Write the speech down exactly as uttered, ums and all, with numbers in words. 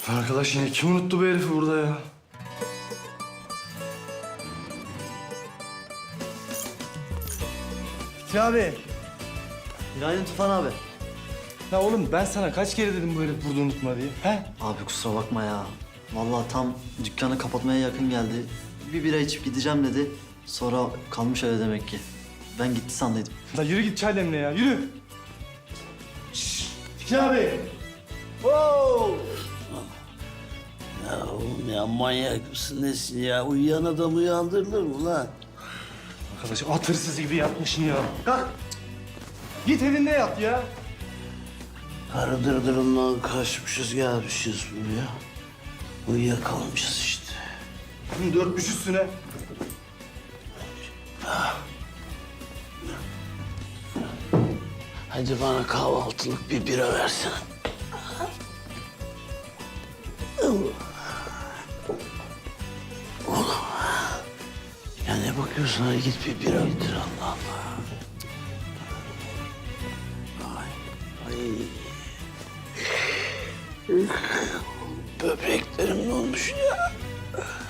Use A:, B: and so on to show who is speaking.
A: Arkadaş yine kim unuttu bu herifi burada ya? Fikri abi.
B: Günaydın Tufan abi.
A: Ya oğlum ben sana kaç kere dedim bu herif burada unutma diye. He?
B: Abi kusura bakma ya. Vallahi tam dükkanı kapatmaya yakın geldi. Bir bira içip gideceğim dedi. Sonra kalmış öyle demek ki. Ben gitti sandıydım.
A: La yürü git çay demle ya yürü. Şşş Fikri abi. Oo!
C: Ya oğlum ya manyak mısın nesin ya? Uyuyan adam uyandırılır mı lan?
A: Arkadaş at hırsızı gibi yatmışsın ya. Kalk. Git evinde yat ya.
C: Karı dırdırından kaçmışız gelmişiz buraya. Uyuyakalmışız işte.
A: Bunu dörtmüş üstüne.
C: Hadi bana kahvaltılık bir bira versene. Oğlum. Ya ne bakıyorsun? Hadi git bir bira getir Allah Allah. Ay. Ay. Böbreklerim ne olmuş ya?